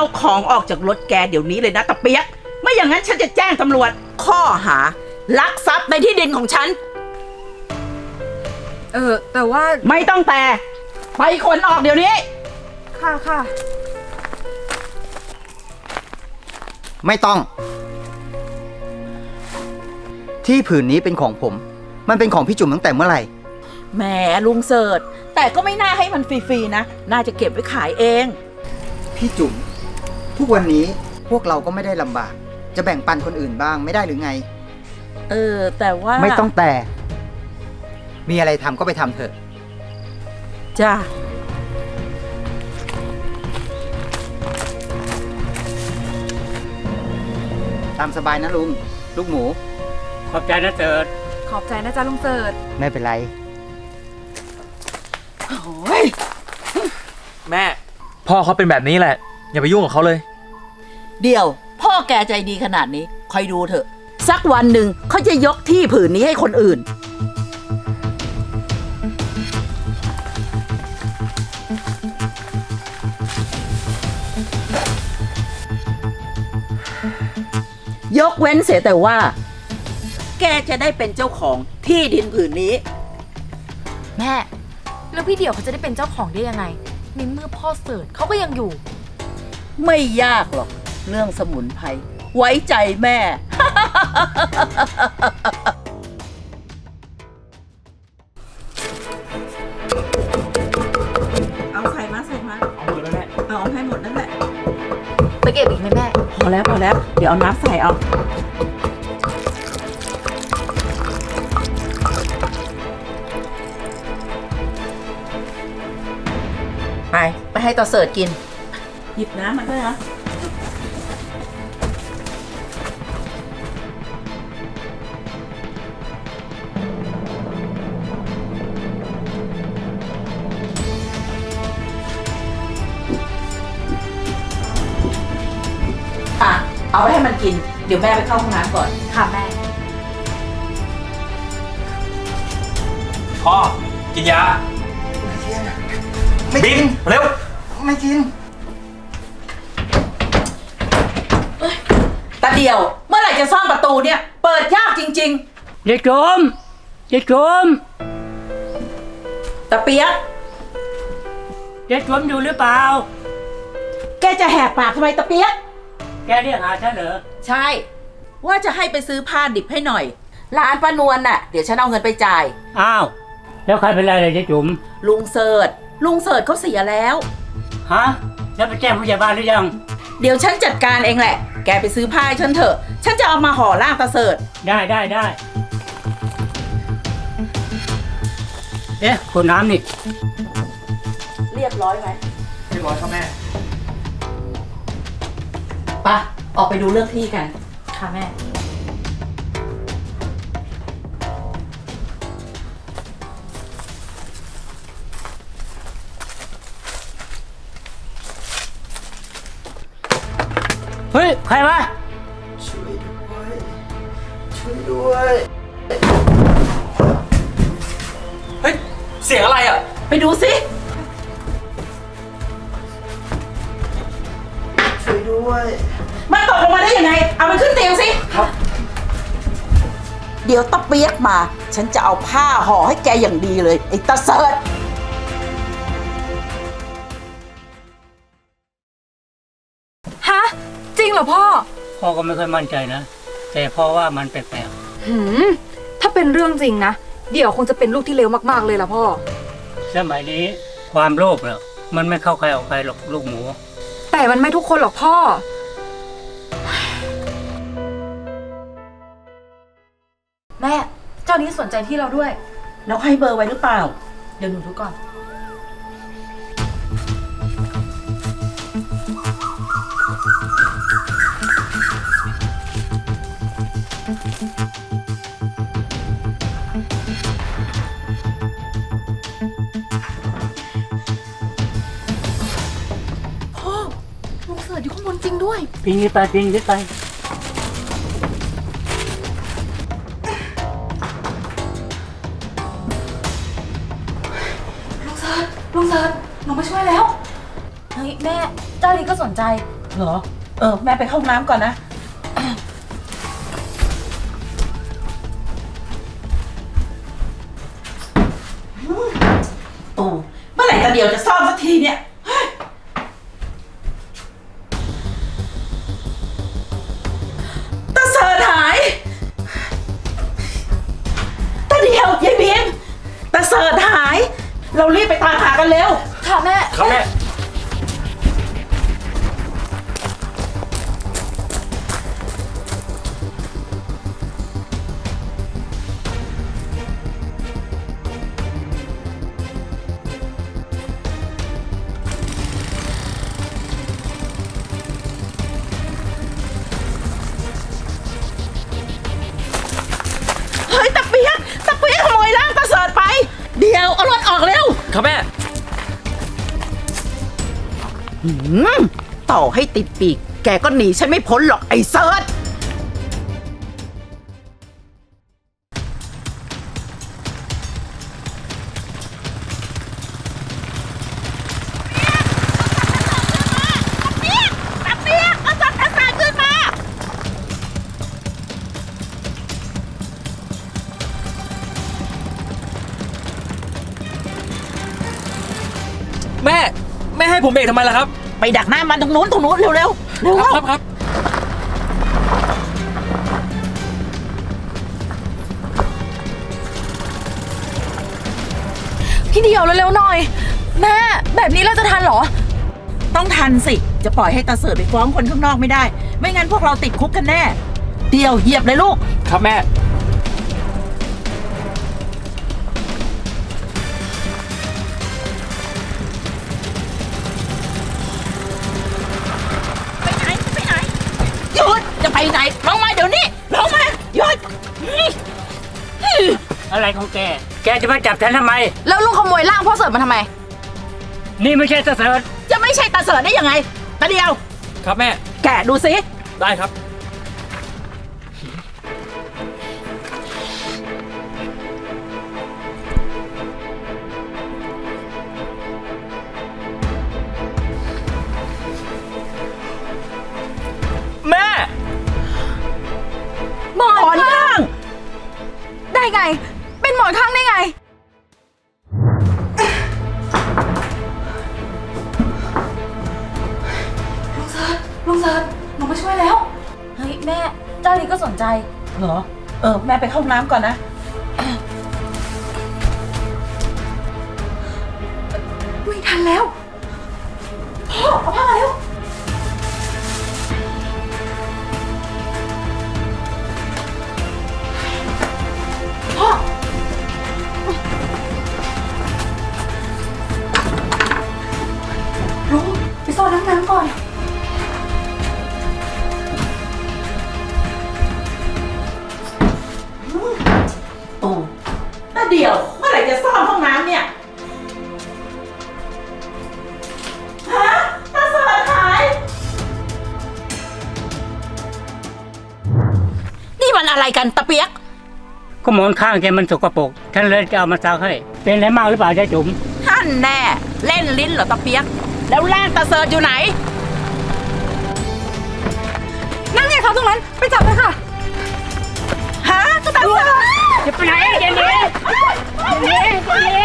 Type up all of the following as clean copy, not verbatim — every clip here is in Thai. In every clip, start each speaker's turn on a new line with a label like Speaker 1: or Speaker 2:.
Speaker 1: เอาของออกจากรถแกเดี๋ยวนี้เลยนะตะเปียกไม่อย่างนั้นฉันจะแจ้งตำรวจข้อหาลักทรัพย์ในที่ดินของฉัน
Speaker 2: แต่ว่า
Speaker 1: ไม่ต้องแต่ไปขนออกเดี๋ยวนี้
Speaker 2: ค่ะ
Speaker 3: ไม่ต้อง ที่ผืนนี้เป็นของผม มันเป็นของพี่จุ๋มตั้งแต่เมื่อไหร่
Speaker 1: แหมลุงเสิร์ชแต่ก็ไม่น่าให้มันฟรีๆนะน่าจะเก็บไว้ขายเอง
Speaker 3: พี่จุ๋มทุกวันนี้พวกเราก็ไม่ได้ลำบากจะแบ่งปันคนอื่นบ้างไม่ได้หรือไง
Speaker 1: แต่ว่า
Speaker 3: ไม่ต้องแต่มีอะไรทำก็ไปทำเถอะ
Speaker 1: จ้า
Speaker 3: ตามสบายนะลุงลูกหมู
Speaker 4: ขอบใจนะเสิร์ช
Speaker 2: ขอบใจนะจ๊ะลุงเสิร์ช
Speaker 3: ไม่เป็นไร
Speaker 1: โอ้ย
Speaker 5: แม่พ่อเขาเป็นแบบนี้แหละอย่าไปยุ่งกับเขาเลย
Speaker 1: เดี๋ยวพ่อแกใจดีขนาดนี้คอยดูเถอะสักวันหนึ่งเขาจะยกที่ผืนนี้ให้คนอื่นยกเว้นเสียแต่ว่าแกจะได้เป็นเจ้าของที่ดินผืนนี้
Speaker 2: แม่แล้วพี่เดี่ยวเขาจะได้เป็นเจ้าของได้ยังไงในเมื่อพ่อเสิร์ชเขาก็ยังอยู่
Speaker 1: ไม่ยากหรอกเรื่องสมุนไพรไว้ใจแม่ เอาใส่มา
Speaker 5: เอาหมดแล้วแม่
Speaker 1: เอาให้หมดนั่นแหละ
Speaker 2: ไปเก็บอีกไหมแม่
Speaker 1: พอแล้วเดี๋ยวเอาน้ำใส่เอาไปให้ต่อเสิร์ชกินหยิบน้ำมาด้วยนะเอาไปให้มันกินเดี๋ยวแม่ไปเข้าห้องน้ำก่อน
Speaker 2: ค่ะแม่
Speaker 5: พ่อกินยาบินเร็ว
Speaker 3: ไม่กิน
Speaker 1: ตาเดียวเมื่อไหร่จะซ่อมประตูเนี่ยเปิดยากจริง
Speaker 4: ๆยายโจม
Speaker 1: ตาเปียก
Speaker 4: ยายโจมอยู่หรือเปล่า
Speaker 1: แกจะแหกปากทำไมตาเปียก
Speaker 4: แกเรียกหาฉันเหรอ
Speaker 1: ใช่ว่าจะให้ไปซื้อผ้าดิบให้หน่อยร้านป้านวลน่ะเดี๋ยวฉันเอาเงินไปจ่าย
Speaker 4: อ้าวแล้วใครเป็นไรเลยยายจุ๋ม
Speaker 1: ลุงเสิร์ชเขาเสียแล้ว
Speaker 4: ฮะแล้วไปแจ้งผู้ใหญ่บ้านหรือยัง
Speaker 1: เดี๋ยวฉันจัดการเองแหละแกไปซื้อผ้าให้ฉันเถอะฉันจะเอามาห่อร่างตาเสิร์ช
Speaker 4: ได้เอ๊ะขวดน้ำนี่
Speaker 1: เรียบร้อยไหม
Speaker 5: เรียบร้อยครับแม่
Speaker 1: ไปออกไปดูเรื่องที่กัน
Speaker 2: ค่ะแม่
Speaker 4: เฮ้ยใครวะ
Speaker 3: ช่วยด้วย
Speaker 5: เฮ้ยเสียงอะไรอ่ะ
Speaker 1: ไปดูสิ
Speaker 3: ช่วยด้วย
Speaker 1: มันตกลงมาได้ยังไงเอามันขึ้นเตียงสิครับเดี๋ยวตะเปียกมาฉันจะเอาผ้าห่อให้แกอย่างดีเลยไอ้ตาเสิร์ช
Speaker 2: ฮะจริงเหรอ
Speaker 4: พ่อก็ไม่ค่อยมั่นใจนะแต่พ่อว่ามันแปลก
Speaker 2: ๆถ้าเป็นเรื่องจริงนะเดี๋ยวคงจะเป็นลูกที่เลวมากๆเลยล่ะพ่อ
Speaker 4: สมัยนี้ความโลภเนี่ยมันไม่เข้าใครออกใครหรอกลูกหมู
Speaker 2: แต่มันไม่ทุกคนหรอกพ่อแม่เจ้านี้สนใจที่เราด้วย
Speaker 1: แล้วให้เบอร์ไว้หรือเปล่า
Speaker 2: เดี๋ยวหนูดูก่อนพ่อลุงเสิร์ชอยู่ข้างบนจริงด้วย
Speaker 4: ปีนไป
Speaker 2: ลุงเสิร์ชลงมาช่วยแล้วเฮ้ยแม่เจ้านี้ก็สนใจ
Speaker 1: เหรอ แม่ไปเข้าห้องน้ำก่อนนะ โอ้เมื่อไหร่ตาเดียวจะซ่อมสักทีเนี่ยเฮ้ยตาเสิร์ชหายตาเดียวยายบีมตาเสิร์ชหาย เรารีบไปตามหากันเร็ว
Speaker 2: ค่ะแม่
Speaker 5: ครับแม่
Speaker 1: เฮ้ยตะเปียกขโมยร่างตาเสิร์ชไป เดี๋ยวเอารถออกเร็ว
Speaker 5: ครับแม่
Speaker 1: ต่อให้ติดปีก แกก็หนีฉันไม่พ้นหรอกไอ้เสิร์ชตะเปียกเอาศพตาเสิร์ชขึ้นมา
Speaker 5: แม่ให้ผมเบรกทำไมล่ะครับ
Speaker 1: ไปดักหน้ามันตรงนู้นเร็วเร็ว
Speaker 5: ครับ
Speaker 2: พี่เดียวเร็วๆหน่อย แม่แบบนี้เราจะทันเหรอ
Speaker 1: ต้องทันสิ จะปล่อยให้ตาเสิร์ชไปฟ้องคนข้างนอกไม่ได้ ไม่งั้นพวกเราติดคุกกันแน่ เดียวเหยียบเลยลูก
Speaker 5: ครับแม่
Speaker 1: ไปไหนหยุดจะไปไหนลงมาเดี๋ยวนี้ลงมาหยุด
Speaker 4: อะไรของแก แกจะมาจับฉันทำไม
Speaker 2: แล้วลุงขโมยร่างพ่อเสิร์ฟมาทำไม
Speaker 4: นี่ไม่ใช่ตาเสิร์ช
Speaker 1: จะไม่ใช่ตาเสิร์ชได้ยังไงตาเดียว
Speaker 5: ครับแม่
Speaker 1: แกะดูสิ
Speaker 5: ได้ครับ แม่
Speaker 2: หมอน
Speaker 1: ถอนข้าง
Speaker 2: ได้ไง เป็นหมอนข้างได้ไง ลุงเซิร์ชหนูมาช่วยแล้ว เฮ้ยแม่ เจ้านี้ก็สนใจ
Speaker 1: เหรอ แม่ไปเข้าห้องน้ำก่อนนะ
Speaker 2: ไม่ทันแล้ว พ่อเอาผ้ามาเร็ว พ่อ ลุงไปซ่อนน้ำก่อน
Speaker 1: โอ้ตาเดียวเมื่อไหร่จะซ่อมห้องน้ำเนี่ยฮะตาเสิร์ชหาย นี่มันอะไรกันตะเปียก
Speaker 4: ก็หมอนข้างแกมันสกปรกฉันเลยจะเอามาซักให้ เป็นอะไรมากหรือเปล่าจ๊ะจุ๋ม
Speaker 1: ท่านแน่ เล่นลิ้นเหรอตะเปียก แล้วร่างตาเสิร์ชอยู่ไหน
Speaker 2: นั่นไงครับตรงนั้น ไปจับเลยค่ะ
Speaker 1: ฮะตาเสิร์ช
Speaker 4: จะไปไหนเจนนี่เจนนี่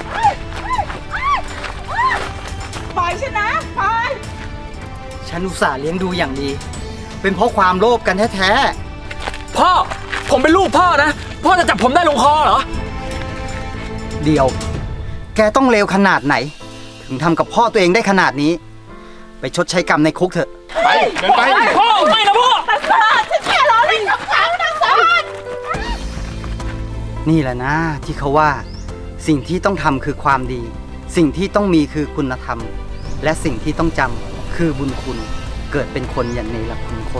Speaker 1: ปล่อยฉันนะปล่อย
Speaker 3: ฉันอุตส่าห์เลี้ยงดูอย่างดี เป็นเพราะความโลภกันแท้
Speaker 5: พ่อ ผมเป็นลูกพ่อนะ พ่อจะจับผมได้ลงคอเหรอ
Speaker 3: ๆเดียว แกต้องเลวขนาดไหน ถึงทำกับพ่อตัวเองได้ขนาดนี้ ไปชดใช้กรรมในคุกเถอะ
Speaker 5: ไป เดินไป พ่อ ไม่นะพ่อ
Speaker 1: ตาเสิร์ชฉันแค่ล้อเล่นกับเขาตาเสิร์ช
Speaker 3: นี่แหละนะที่เขาว่า สิ่งที่ต้องทำคือความดี สิ่งที่ต้องมีคือคุณธรรม และสิ่งที่ต้องจำคือบุญคุณ เกิดเป็นคนอย่างในหลักคุณคน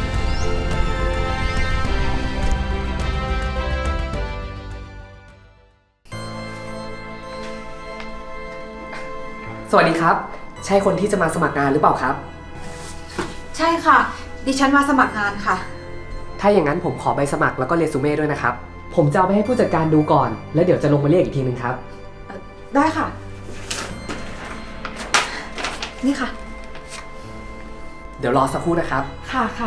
Speaker 6: สวัสดีครับ ใช่คนที่จะมาสมัครงานหรือเปล่าครับ
Speaker 7: ใช่ค่ะ ดิฉันมาสมัครงานค่ะ
Speaker 6: ถ้าอย่างนั้นผมขอใบสมัครแล้วก็เรซูเม่ด้วยนะครับ ผมจะเอาไปให้ผู้จัดการดูก่อน แล้วเดี๋ยวจะลงมาเรียกอีกทีนึงครับ
Speaker 7: ได้ค่ะ นี่ค่ะ
Speaker 6: เดี๋ยวรอสักครู่นะครับ
Speaker 2: ค่ะค่ะ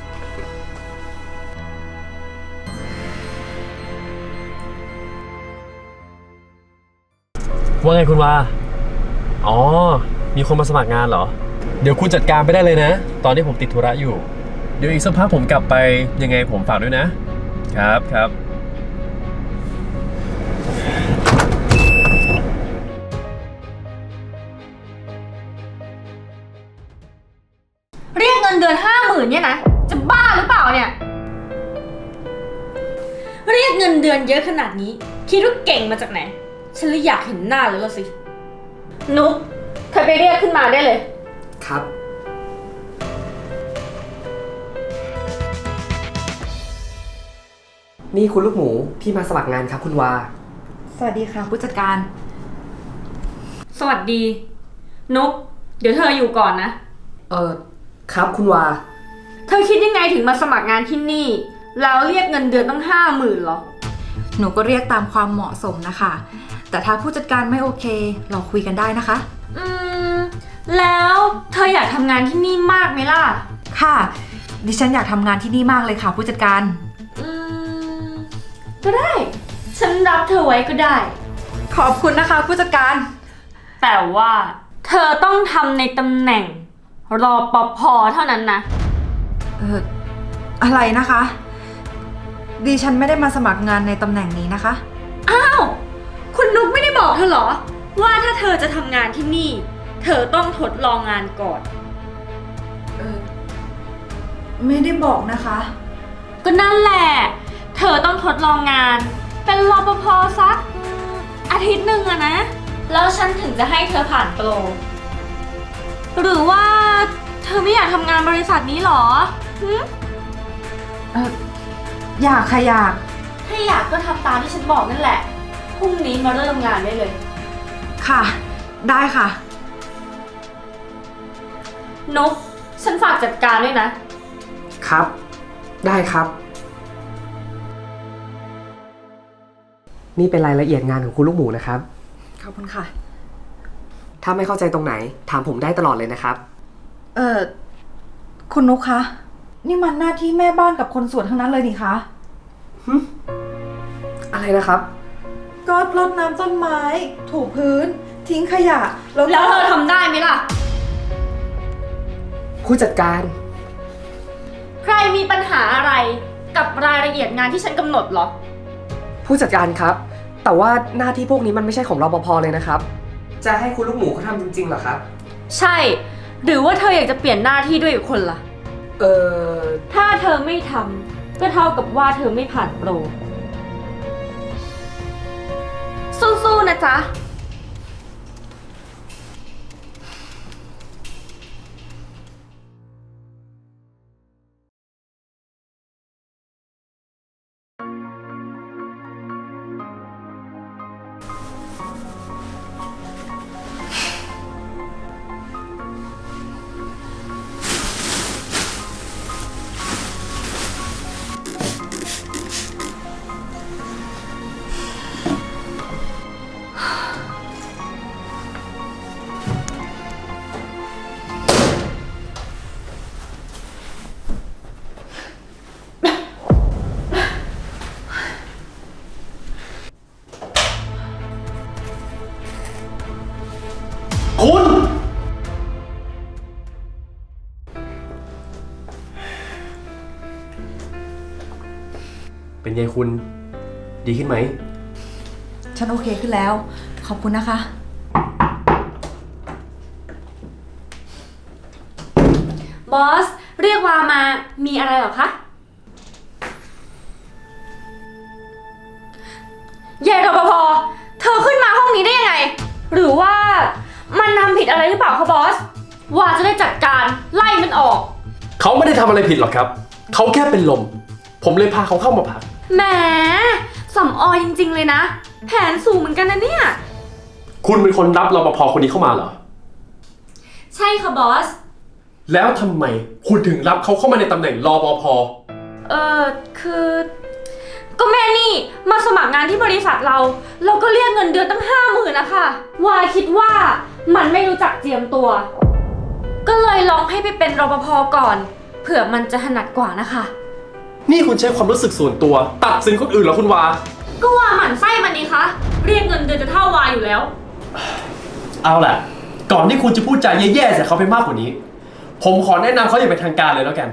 Speaker 8: ว่าไงคุณวา อ๋อ มีคนมาสมัครงานเหรอ เดี๋ยวคุณจัดการไปได้เลยนะ ตอนนี้ผมติดธุระอยู่ เดี๋ยวอีกสักพักผมกลับไปยังไงผมฝากด้วยนะ ครับครับ
Speaker 2: เรียกเงินเดือน50,000เนี่ยนะ จะบ้าหรือเปล่าเนี่ย
Speaker 9: เรียกเงินเดือนเยอะขนาดนี้ คิดว่าเก่งมาจากไหน ฉันเลยอยากเห็นหน้าเลยละสิ นุ๊กเธอไปเรียกขึ้นมาได้เลย
Speaker 6: ครับ นี่คุณลูกหมูที่มาสมัครงานครับคุณวา
Speaker 7: สวัสดีค่ะผู้จัดการ
Speaker 9: สวัสดี นุ๊กเดี๋ยวเธออยู่ก่อนนะ
Speaker 6: ครับคุณวา
Speaker 9: เธอคิดยังไงถึงมาสมัครงานที่นี่ แล้วเรียกเงินเดือนตั้ง50,000หรอ
Speaker 7: หนูก็เรียกตามความเหมาะสมนะคะ แต่ถ้าผู้จัดการไม่โอเค เราคุยกันได้นะคะ
Speaker 9: แล้วเธออยากทำงานที่นี่มากไหมล่ะ
Speaker 7: ค่ะ ดิฉันอยากทำงานที่นี่มากเลยค่ะผู้จัดการ
Speaker 9: ก็ได้ ฉันรับเธอไว้ก็ได้
Speaker 7: ขอบคุณนะคะผู้จัดการ
Speaker 9: แต่ว่าเธอต้องทำในตำแหน่งรอปภเท่านั้นนะ
Speaker 7: อะไรนะคะ ดิฉันไม่ได้มาสมัครงานในตำแหน่งนี้นะคะ
Speaker 9: อ้าว คุณนุ๊กไม่ได้บอกเธอเหรอ ว่าถ้าเธอจะทำงานที่นี่ เธอต้องทดลองงานก่อน
Speaker 7: ไม่ได้บอกนะคะ
Speaker 9: ก็นั่นแหละ เธอต้องทดลองงาน เป็นรปภสักอาทิตย์หนึ่งอะนะ แล้วฉันถึงจะให้เธอผ่านโปร หรือว่าเธอไม่อยากทำงานบริษัทนี้หรอหึ
Speaker 7: อยากค่ะอยาก
Speaker 9: ถ้าอยากก็ทำตามที่ฉันบอกนั่นแหละ พรุ่งนี้มาเริ่มงานได้เลย
Speaker 7: ค่ะ ได้ค่ะ
Speaker 9: นุ๊กฉันฝากจัดการด้วยนะ
Speaker 6: ครับ ได้ครับ นี่เป็นรายละเอียดงานของคุณลูกหมูนะครับ
Speaker 7: ขอบคุณค่ะ
Speaker 6: ถ้าไม่เข้าใจตรงไหน ถามผมได้ตลอดเลยนะครับ
Speaker 7: คุณนุ๊กคะ นี่มันหน้าที่แม่บ้านกับคนสวนทั้งนั้นเลยนี่คะ
Speaker 6: อะไรนะครับ
Speaker 7: ก็รดน้ำต้นไม้ ถูพื้น ทิ้งขยะ แล้ว
Speaker 9: แล้วเธอทำได้ไหมล่ะ
Speaker 6: ผู้จัดการ
Speaker 9: ใครมีปัญหาอะไรกับรายละเอียดงานที่ฉันกำหนดเหรอ
Speaker 6: ผู้จัดการครับ แต่ว่าหน้าที่พวกนี้มันไม่ใช่ของรปภเลยนะครับ จะให้คุณลูกหมูเขาทำจริงๆเหรอครับ
Speaker 9: ใช่ หรือว่าเธออยากจะเปลี่ยนหน้าที่ด้วยอีกคนล่ะ ถ้าเธอไม่ทำก็เท่ากับว่าเธอไม่ผ่านโปร สู้ๆนะจ๊ะ
Speaker 8: คุณ เป็นไงคุณ ดีขึ้นไหม
Speaker 7: ฉันโอเคขึ้นแล้ว ขอบคุณนะคะ
Speaker 9: บอส เรียกวามา มีอะไรเหรอคะเยายรปภ เธอขึ้นมาห้องนี้ได้ยังไง หรือว่ามันทำผิดอะไรหรือเปล่าคะบอส วาจะได้จัดการไล่มันออก
Speaker 8: เขาไม่ได้ทำอะไรผิดหรอกครับ เขาแค่เป็นลม ผมเลยพาเขาเข้ามาพัก
Speaker 9: แหมสำออยจริงๆเลยนะ แผนสูงเหมือนกันนะเนี่ย
Speaker 8: คุณเป็นคนรับรปภคนนี้เข้ามาเหรอ
Speaker 9: ใช่ค่ะบอส
Speaker 8: แล้วทำไมคุณถึงรับเขาเข้ามาในตำแหน่งรปภ
Speaker 9: คือ ก็แม่นี่มาสมัครงานที่บริษัทเราก็เรียกเงินเดือนตั้ง50,000นะคะวาคิดว่ามันไม่รู้จักเจียมตัว ก็ก็เลยลองให้ไปเป็นรปภก่อน เผื่อมันจะถนัดกว่านะคะ
Speaker 8: นี่คุณใช้ความรู้สึกส่วนตัว ตัดสินคนอื่นเหรอคุณวา
Speaker 9: ก็ว่าหมั่นไส้มันนี่คะ เรียกเงินเดือนจะเท่าวาอยู่แล้ว
Speaker 8: เอาล่ะ ก่อนที่คุณจะพูดจาแย่ๆใส่เขาไปมากกว่านี้ ผมขอแนะนำเขาอย่างเป็นทางการเลยแล้วกัน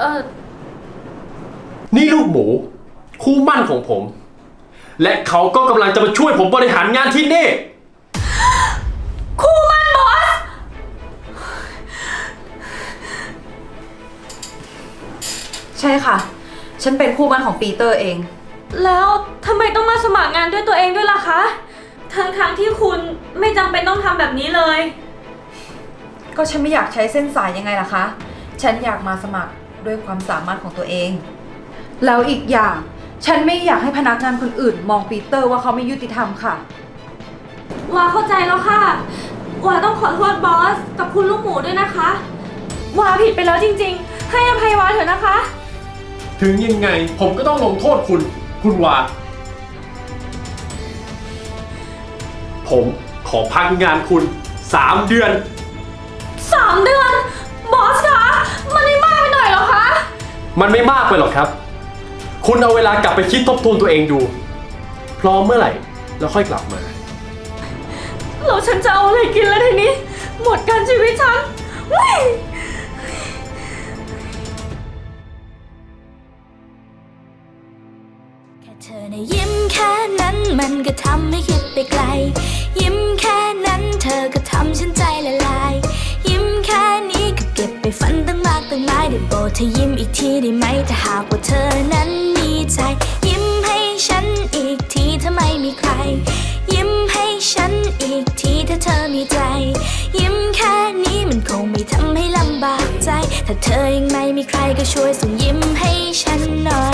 Speaker 8: นี่ลูกหมู คู่มั่นของผม และเขาก็กำลังจะมาช่วยผมบริหารงานที่นี่
Speaker 9: คู่มั่นบอส
Speaker 7: ใช่ค่ะ ฉันเป็นคู่มั่นของปีเตอร์เอง
Speaker 9: แล้วทำไมต้องมาสมัครงานด้วยตัวเองด้วยล่ะคะ ทั้งที่คุณไม่จำเป็นต้องทำแบบนี้เลย
Speaker 7: ก็ฉันไม่อยากใช้เส้นสายยังไงล่ะคะ ฉันอยากมาสมัครด้วยความสามารถของตัวเอง แล้วอีกอย่าง ฉันไม่อยากให้พนักงานคนอื่น มองปีเตอร์ว่าเขาไม่ยุติธรรมค่ะ
Speaker 9: วาเข้าใจแล้วค่ะ วาต้องขอโทษบอสกับคุณลูกหมูด้วยนะคะ วาผิดไปแล้วจริงๆ ให้อภัยวาเถอะนะคะ
Speaker 8: ถึงยังไงผมก็ต้องลงโทษคุณวา ผมขอพักงานคุณ 3 เดือน
Speaker 9: 3 เดือน บอสคะ มันไม่มากไปหน่อยเหรอคะ
Speaker 8: มันไม่มากไปหรอกครับ คุณเอาเวลากลับไปคิดทบทวนตัวเองดู พร้อมเมื่อไหร่แล้วค่อยกลับมา
Speaker 9: แล้วฉันจะเอาอะไรกินแล้วทีนี้ หมดการชีวิตฉันเฮ้ย
Speaker 10: แค่เธอในะยิ้มแค่นั้นมันก็ทำให้คิดไปไกล ยิ้มแค่นั้นเธอก็ทำฉันใจละลาย ยิ้มแค่นี้ก็เก็บไปฝันตั้งมากตั้งหลายได้โปรดเธอยิ้มอีกทีได้ไหมถ้าหากว่าเธอนั้นมีใจ ยิ้มให้ฉันอีกทีถ้าไม่มีใคร ยิ้มให้ฉันอีกทีถ้าเธอมีใจ ยิ้มแค่นี้มันคงไม่ทำให้ลำบากใจ ถ้าเธอยังไม่มีใครก็ช่วยส่งยิ้มให้ฉันหน่อย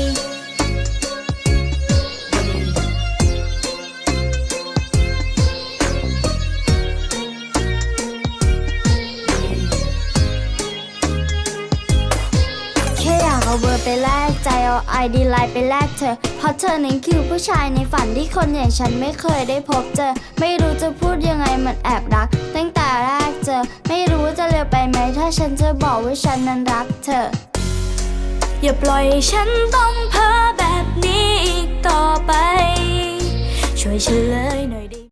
Speaker 10: แค่อยากเอาเบอร์ไปแลกใจเอาไอดีไลน์ไปแลกเธอเพราะเธอนั้นคือผู้ชายในฝันที่คนอย่างฉันไม่เคยได้พบเจอไม่รู้จะพูดยังไงมันแอบรักตั้งแต่แรกเจอไม่รู้จะเร็วไปไหมถ้าฉันจะบอกว่าฉันนั้นรักเธออย่าปล่อยให้ฉันต้องเพ้อแบบนี้อีกต่อไปช่วยเฉลยหน่อยดิ